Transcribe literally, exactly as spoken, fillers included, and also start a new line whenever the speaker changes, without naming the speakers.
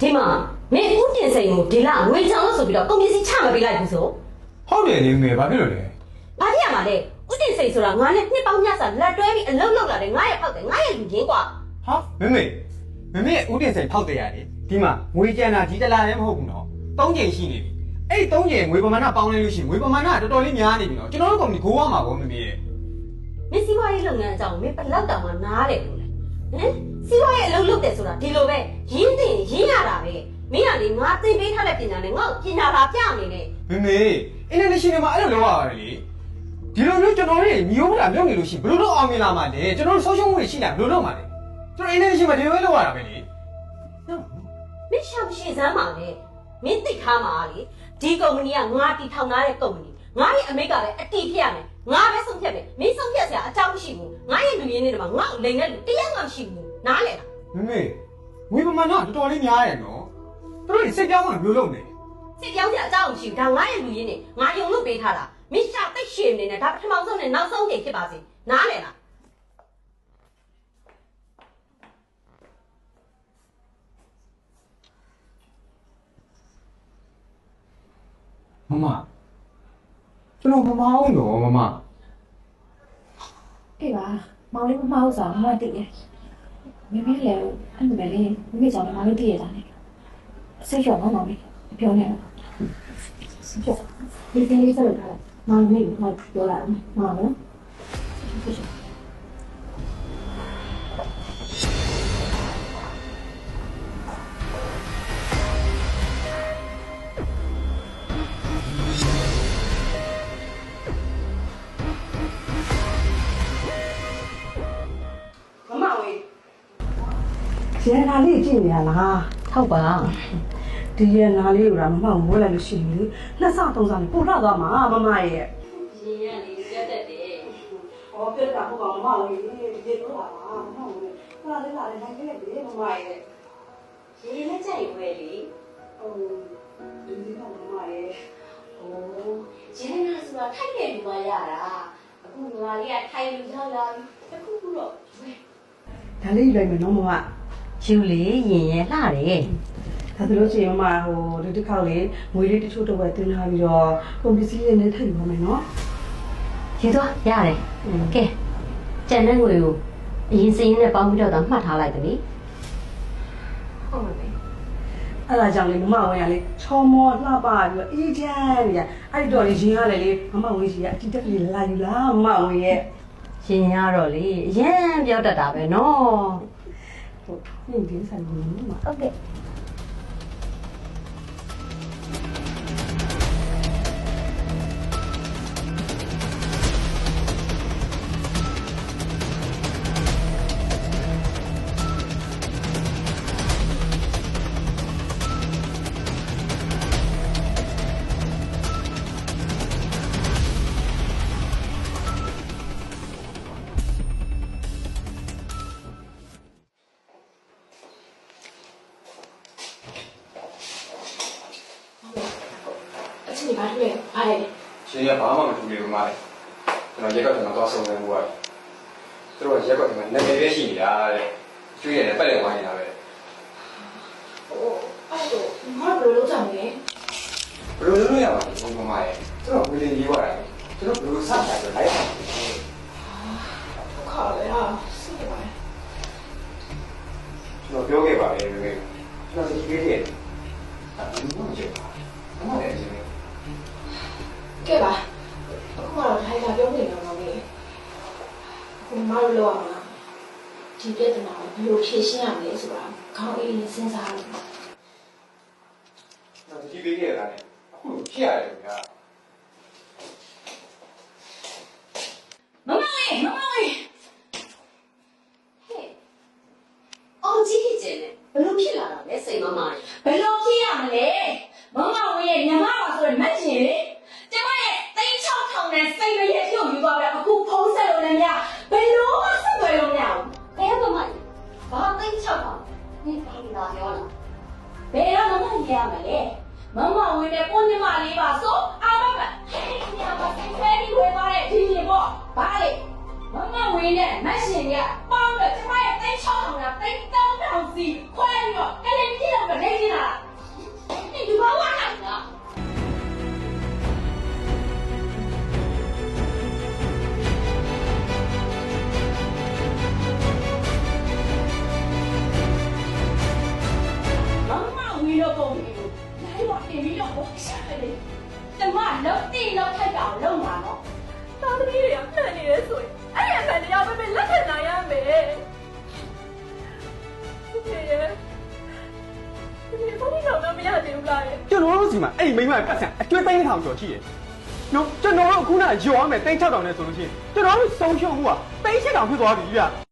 ဒီမှာမင်းဦးတင်စိန်ကိုဒီလငွေချောင်းလို့ဆိုပြီးတော့ကုန်ပစ္စည်းချမပေးလိုက်ဘူးဆို
ဟုတ်တယ်လေငယ်ဘာဖြစ်လို့လဲ
ဘာဖြစ်ရမှာလဲဦးတင်စိန်ဆိုတာငါနဲ့နှစ်ပေါင်းများစွာလက်တွဲပြီးအလုံးလုံးလာတယ်ငါရဲ့ဖောက်တယ်ငါရဲ့လူရင်းကွာ
ဟာမမေမမေဦးတင်စိန်ဖောက်တယ်ရတယ်ဒီမှာငွေကြံတာဒီတလားလည်းမဟုတ်ဘူးနော်သုံးချိန်ရှိနေပြီအဲ့သုံးချိန်ငွေပမာဏပေါင်းလိုက်လို့ရှိရင်ငွေပမာဏတော်တော်လေးများနေပြီနော်ကျွန်တော်တို့ကုမ္ပဏီကိုရမှာပေါ့မမေရဲ့
မင်းစီးပွားရေးလုပ်ငန်းအကြောင်းမင်းဘယ်လောက်တောင်မှနားတယ်လို့လဲဟမ်စီးပွားရေးအလုပ်လုပ်တယ်ဆိုတာဒီလိုပဲရင်းတင်ရင်းရတာပဲမင်းကလေငါသင်ပေးထားတဲ့ပညာနဲ့ငါ့ကိုပညာသာပြနေတယ်
မမေအင်တာနက်ရှင်နယ်မှာအဲ့လိုလုပ်ရတယ်လေဒီလိုမျိုးကျွန်တော်တို့ညီဦးလာလုပ်နေလို့ရှိရင်ဘယ်လိုလုပ်အောင်မြင်လာမှာလဲကျွန်တော်တို့ဆုံးရှုံးမှုတွေရှိလာဘယ်လိုလုပ်မှာလဲကျွန်တော်အင်တာနက်ရှင်မှာဒီလိုပဲလုပ်ရတာပဲလေ
မင်းရှောက်ရှည်စမ်းပါလေမင်းသိထားမှာလေဒီကုမ္ပဏီကငါတီထောင်ထားတဲ့ကုမ္ပဏီငါရဲ့အမိတ်ကလည်းအတီးဖြစ်ရမယ်ငါပဲဆုံးဖြတ်မယ်မင်းဆုံးဖြတ်စရာအကြောင်းမရှိဘူးငါရဲ့လူရင်းတွေမှာငါ့ကိုလိန်တဲ့လူတရားမှမရှိဘူးနားလေလား
မမေငွေပမာဏတော်တော်လေးများတယ်နော်သူတို့စိတ်ပြောင်းမှဘယ်လိုလုပ်နေ
စိတ်ပြောင်းစရာအကြောင်းမရှိဘူးဒါငါရဲ့လူရင်းတွေငါယုံလို့ပေးထားတာမင်းရှာသိရှည်နေတယ်ဒါပထမဆုံးနဲ့နောက်ဆုံးချိန်ဖြစ်ပါစေနားလေလား
မမကျွန်တော်မမအောင်တော့မမ
အေးပါမောင်လေးမမဟုတ်စားမမသိတယ်မမေလည်းအဲ့လိုပဲလေမမေကြောင့်မောင်လေးသိရတာနဲ့စိတ်ရောမောင်မောင်လေးပြောနေတော့ပြောဒီကလေးစလို့ထားမောင်လေးကပြောလာတယ်မောင်နော်
ရန်နာလေးကြည့်နေရလား
ဟုတ်ပါ
ဒီရန်နာလေးကမမမွေးလိုက်လို့ရှိရင်လေနှစ်ဆသုံးဆပို့ထသွားမှာမမရဲ့
ရင်ရလေးပြတ်တက်တယ်
ဟောပြတ်တာဟုတ်ပါမမလေးဒီလိုလာပါမမလေးခါလေးလာလေးနိုင်ခဲ့တယ်မမရဲ့
ရင်နဲ့ကြိုက်ဝဲလေ
ဟိုဒီဒီကမမရဲ့
ဟိုရင်နာဆိုတာထိုက်တယ်လူမရတာအခုငါလေးကထိုက်လူရောက်လာပြီအခုခုတော့ဝဲ
ဒါလေးယူလိုက်မယ်နော်မမ
ယူလေရင်ရလှတယ်
ဒါဆိုလို့ရှိရင်မမဟိုဒီတစ်ခေါက်လေငွေလေးတချို့တော့ပဲတင်ထားပြီးတော့ကုန်ပစ္စည်းတွေနဲ့ထည့်ယူပါမယ်နော်
ရေတော့ရတယ်ကဲကျန်တဲ့ငွေကိုအရင်စင်းနဲ့ပေါင်းပြီးတော့မှတ်ထားလိုက်တယ်နိဟုတ်ပါပြီ
အဲ့ဒါကြောင့်လေမမဝင်ရလေချောမောလှပပြီးတော့အေးချမ်းနေရအဲ့ဒီတော့လေရင်ရလေလေမမဝင်စီကအတိတက်လေးလာယူလားမမဝင်ရဲ့
ရင်ရတော့လေအရင်ပြောတတ်တာပဲနော်
ဟုတ်ဒီဒီဆိုင်ကြီးမှာ
ဟုတ်ကဲ့
ဒီဘာလို့လဲအားရ
ရှင်ရဘာမှမတူလေဘာလဲကျွန်တော်ရက်ကွက်ကတော့ဆုံးနေဘူးကသူတို့ရက်ကွက်ကနာမည်ပဲရှိနေတာတဲ့ကျွေးရတယ်ပတ်လည်ဝိုင်းနေတာပဲ
ဟိုအဲ့တော့ငါဘယ်လိုလုပ်ကြမလဲ
ဘယ်လိုလုပ်ရမှာလဲဘုံမမရဲ့သူတို့ဝေလင်းကြီးွားတာသူတို့ဘယ်လိုစတာလဲလိုက်ပါ
ခါလေဟာစိတ်ပါ
ကျွန်တော်ပြောခဲ့ပါလေကျွန်တော်ဒီပြေးတယ်အဲ့ဒါဘူးမကြည့်ပါဘာမှလည်းအရင်
ကဲပါအခုကတော့ထိုင်လာပြောနေတော့မေအခုမလို့လောက်အောင်ဒီပြဿနာကိုဘယ်လိုဖြေရှင်းရမလဲဆိုတာခေါင်းအေးနဲ့စဉ်းစားလို့
တော့ဒီပေးခဲ့တာလေအခုဖြစ်ရတယ်ဗျာ
မမလေးမမလေးဟဲ့အောင်ကြီးကျင်တယ်ဘယ်လိုဖြစ်လာတာလဲစိတ်မမလေးဘယ်လိုဖြစ်ရမလဲမမဝင်းရဲ့ညီမပါဆိုရင်မက်ချင်လေကျမရဲ့သိန်း၆ထောင်နဲ့စိတ်မရဲ့ဖြုတ်ယူသွားတယ်အခုဖုံးဆက်လို့လည်းမရဘယ်လိုမှဆက်သွယ်လို့မရဘူးဘယ်မမဘာသိန်း၆ထောင်နေပါလာရောလားဘယ်တော့မမရရမလဲမမဝင်းနဲ့ကိုညီမလေးပါဆိုအာမမဟဲ့ညာမစိတ်ဖဲပြီးဝယ်သွားတဲ့ဒီရင်ပေါ့ဘာလဲမမဝင်းနဲ့မက်ရှင်ကပေါင်းတော့ကျမရဲ့သိန်း၆ထောင်နဲ့သိန်း၃ထောင်စီခွဲပြီးတော့ကလေးကြီးတော့နေနေတာလုံးတိလုံးထိုက်တာကိုလုံးမှာနော်
သားသမီးတွေကမှန်နေရဲဆိုရင်အဲ့ဒီအမှန်တရားပဲပဲလက်ခံနိုင်ရမယ်ဟုတ်ကဲ့ရဲ့ဒီဘုန်းကြီးတော့မရသေးဘူးလားရဲ့
ကျွန်တော်တို့စီမှာအဲ့ဒီမိမပတ်စံအကျွေးသိန်းထောင်ကျော်ရှိတယ်နော်ကျွန်တော်တို့အခုနရောရမယ်သိန်း၆တောင်နဲ့ဆိုလို့ရှိရင်ကျွန်တော်တို့ဆုံးရှုံးမှုကသိန်း၈တောင်ဖြစ်သွားပြီဗျ